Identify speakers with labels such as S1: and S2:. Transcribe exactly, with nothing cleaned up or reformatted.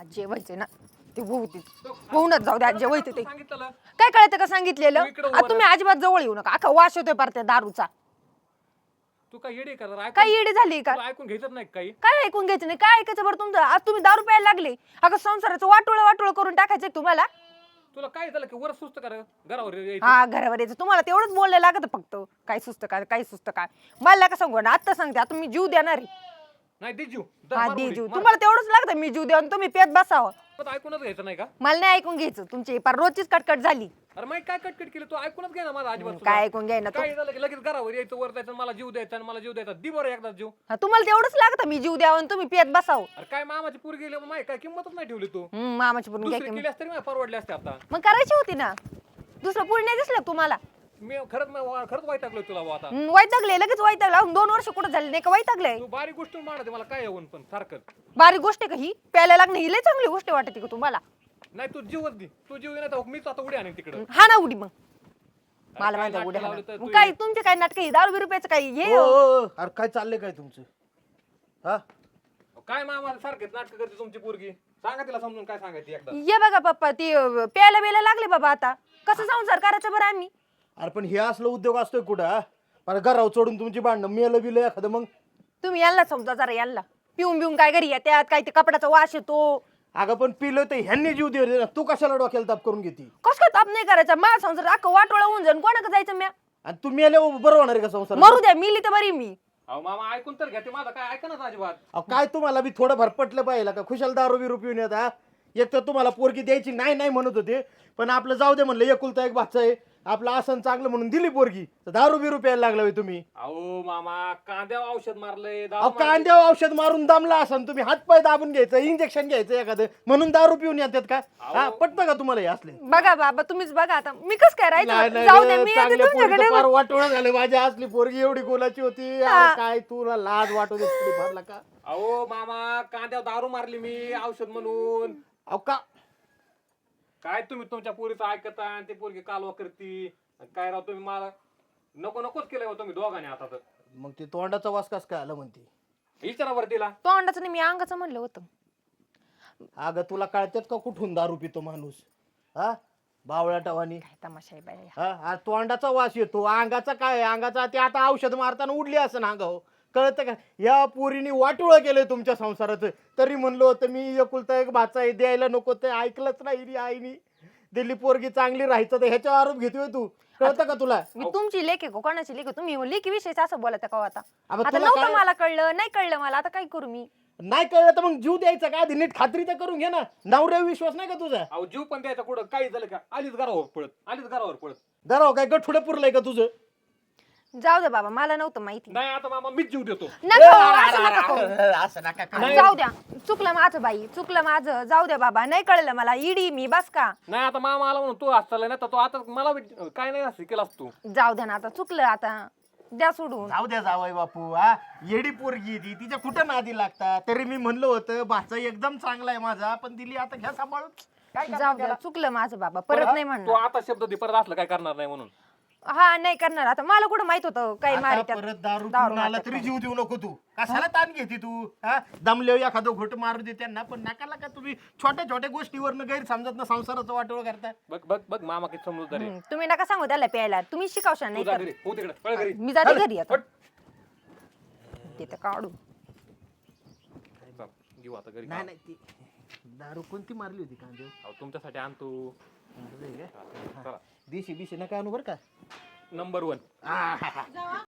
S1: आज जेवायचे ना ते होती होऊनच जाऊ द्या, आज जेवायचे ते
S2: सांगितलं
S1: काय कळतं का सांगितलेलं.
S2: तू इकडं उभं
S1: आता तुम्ही अजिबात जवळ येऊ नका, अख्खा वास येतोय पार त्या दारूचा.
S2: तू काय येडी कर
S1: काय येडी झाली का?
S2: ऐकून घ्यायचं नाही काही
S1: काय ऐकून घ्यायचं नाही, काय ऐकायचं बरं तुमचं. आज तुम्ही दारू प्यायला लागले, अगं संसाराचं वाटोळ वाटोळ करून टाकायचंय तुम्हाला.
S2: तुला काय झालं की वर सुस्त कर घरावर यायचं.
S1: हा घरावर यायचं तुम्हाला तेवढंच बोलले लागत फक्त. काय सुस्त काय काय सुस्त काय मला का सांगू ना, आता सांगते आता मी जीव देणार आहे.
S2: नाही दे जीव
S1: हा दे जीव, तुम्हाला तेवढंच लागतं मी जीव देऊन तुम्ही पेत बसावं.
S2: ऐकूनच घ्यायचं नाही का?
S1: मला नाही ऐकून घ्यायचं, तुमची पार रोजचीच कटकट झाली.
S2: अरे माहिती काय कटकट केली तू ऐकूनच घे ना माझा अजिबात.
S1: काय ऐकून घ्याय ना तू.
S2: काय झालं की लगेच घरावर यायचं वर जायचं मला जीव द्यायचा आणि मला जीव द्यायचा दि बरं एकदा जीव.
S1: हा, तुम्हाला तेवढंच लागतं मी जीव द्यावं आणि तुम्ही पेत बसावं.
S2: अरे काय मामाची पूर गेली माहिती काय किंमतच नाही ठेवली तू.
S1: हम्म, मामाची पूर्ण
S2: दुसरी
S1: घ्यायची
S2: केली असते मला परवडली असते आता.
S1: मग करायची होती ना, दुसरं पुढे नाही दिसलं तुम्हाला.
S2: मी खरंच मी- खरंच वैतागलोय तुला बुवा आता.
S1: हम्म, वैतागले लगेच वैतागला. दोन वर्ष कुठं झाले नाही का वैतागले.
S2: तू बारीक गोष्ट मानते मला काय येऊन पण सारखं.
S1: बारीक गोष्ट आहे का ही? प्यायला लागणं ही लय चांगली गोष्ट वाटते का तुम्हाला?
S2: नाही तू जीवच दे, तू जीव नाही तर मीच आता उडी आणेन तिकडं.
S1: हा ना उडी मग मला
S2: काय
S1: माहिती
S2: नाटकं
S1: उड्या
S2: लावली तर
S1: हाणा.
S2: तू
S1: काय तुमचे काय नाटक दारू बिरू प्यायचं काय हे
S3: ओ, ओ, ओ, अरे काय चाललंय काय तुमचं? हा
S2: काय मामा सारखेच नाटक करते तुमची पोरगी. सांगा तिला समजून काय सांगायची एकदा.
S1: ये बघा पप्पा ती अं, प्यायला बियायला लागले बाबा. आता कसं संसार करायचं बरं आम्ही?
S3: अरे पण हे असलं उद्योग असतोय कुठं हा? मला घरावर चढून तुमची भांडणं मेलं बिलं एखादं मग.
S1: तुम्ही यांना समजा जरा यांना. पिऊन बिऊन काय घरी त्यात काय ते कपड्याचा वास येतो.
S3: अगं पण पिलं तर ह्यांनी जीव दे ना, तू कशाला डोक्याला ताप करून घेती?
S1: कस काय ताप नाही करायचा? माझा संसार अख्खं वाटोळा होऊन जाईन, कोणाकडे जायचं म्या?
S3: आणि तू मेल्यावर बरं होणार आहे का संसार?
S1: मरू द्या, मिली तर बरी मी.
S2: अहो मामा ऐकून तर घ्या ते माझं काय ऐका ना अजिबात.
S3: अहो, काय तुम्हाला बी थोडं भर पटलं पाहिजे का? खुशाल दारू बिरू पिऊन येत हा? एक तर तुम्हाला पोरगी द्यायची नाही नाही म्हणत होते, पण आपलं जाऊ दे म्हणलं, एकुलता एक भाचा आहे आपलं, आसन चांगलं म्हणून दिली पोरगी, तर दारू बिरू प्यायला लागला होय तुम्ही.
S2: अहो मामा कांद्यावर औषध मारलंय दारू
S3: अहो
S2: मारली.
S3: कांद्यावर औषध मारून दमला असन तुम्ही, हातपाय दाबून घ्यायचं, इंजेक्शन घ्यायचं एखादं, म्हणून दारू पिऊन येतात का? हा पटतं का तुम्हाला हे असले?
S1: बघा बाबा तुम्हीच बघा आता मी कस काय
S3: नाही,
S1: राहायचं?
S3: नाही
S1: जाऊ द्या
S3: रे,
S1: मी येते
S3: चांगल्या
S1: तुमच्याकडे.
S3: पोरीचं फार वाटोळं झालं. माझी असली पोरगी एवढी गोलाची होती. अरे काय तुला लाज वाटू दे थोडी फार का?
S2: अहो मामा कांद्यावर दारू मारली मी औषध म्हणून.
S3: अहो का
S2: काय तुम्ही तुमच्या पोरीचं ऐकता आणि ती पोरगी कालवा करती. काय राव तुम्ही मला नको नकोच केलंय हो तुम्ही दोघांनी आता तर.
S3: मग ते तोंडाचा वास कस काय आला म्हणते?
S2: विचारावर तिला.
S1: तोंडाचं नाही मी अंगाचं म्हणलं होतं.
S3: अगं तुला कळतात का कुठून दारू पितो माणूस? हा बावळ्या टवानी.
S1: काय तमाशा आहे बाई.
S3: हा हा, तोंडाचा वास येतो, अंगाचा काय? अंगाचा ते आता औषध मारताना उडली असं अंगाव, कळतं का? या पोरीने वाटोळं केलंय तुमच्या संसाराचं. तरी म्हणलो होतं मी एकुलता एक भाचा आहे, द्यायला नको, ते ऐकलंच नाही रे आईनी. दिल्ली पोरगी चांगली राहायचं तर ह्याचा आरोप घेतोय तू, कळतं का तुला?
S1: मी तुमची लेख आहे का कोणाची लेख आहे? तुम्ही लेखी विषयी असं बोलत का आता?
S3: अबे
S1: आता
S3: तुला
S1: नव्हतं
S3: काय-
S1: मला कळलं, नाही कळलं मला, आता काय करू मी?
S3: नाही कळलं तर मग जीव द्यायचा का? आधी नीट खात्री तर करून घे ना. नवऱ्यावर विश्वास नाही का तुझा?
S2: अहो जीव पण द्यायचा कुठं काही झालं का आलीच घरावर पळत आलीच घरावर पळत.
S3: घराव काय गठुडे पुरलंय का तुझं?
S1: जाऊ दे बाबा मला नव्हतं माहिती.
S2: नाही आता मामा मीच जीव देतो.
S1: नका हो, असं नका करू.
S3: असं नका करू.
S1: जाऊ द्या, चुकलं माझं बाई, चुकलं माझं. जाऊ द्या बाबा, नाही कळलं मला. इडी मी बस का?
S2: नाही आता मामा आला म्हणून तू आज चाललाय ना तर तो आता मला बी- काय नाही असं केलास तू.
S1: जाऊ द्या ना आता, चुकलं आता, द्या सोडून.
S3: जाऊ द्या जावई बापू. हा येडी पोरगी ती, तिच्या कुठं नादी लागतात? तरी मी म्हणलं होतं भाचा एकदम चांगला आहे माझा, पण दिली आता घ्या सांभाळून. काय करणार
S1: जाऊ द्या,
S3: त्याला?
S1: चुकलं माझं बाबा, परत नाही
S2: तू
S1: म्हणणार.
S2: आता शब्द दे परत असलं काय करणार नाही म्हणून.
S1: हा नाही करणार आता. मला कुठं माहित होतं काही
S3: आता
S1: मारित्यात.
S3: परत दारू
S1: दारू
S3: पिऊन आला
S1: मारतात
S3: तरी जीव देऊ नको तू. कशाला ताण घेते तू? हा दमले एखादं घोट मारू दे त्यांना, पण नकाला का तुम्ही छोट्या छोट्या गोष्टीवरनं गैरसमजत ना संसाराचं वाटोळ करता?
S2: बघ बघ बघ मामा किती समजूतदार आहे.
S1: हम्म, तुम्ही नका सांगू त्याला प्यायला, तुम्ही शिकावशा
S2: तू
S1: नाही
S2: जा
S1: तर.
S2: घरी हो तिकडे पळ घरी.
S1: मी जाते घरी आता.
S2: पट.
S1: तिथं काढू.
S2: चल, घेऊ आता घरी.
S3: नाही नाही ती दारू कोणती मारली होती कांदे?
S2: अहो, तुमच्यासाठी आणतो.
S3: चला
S2: चला
S3: देशी बिशी नका आणू बरं का.
S2: Number one.
S3: आहाहा.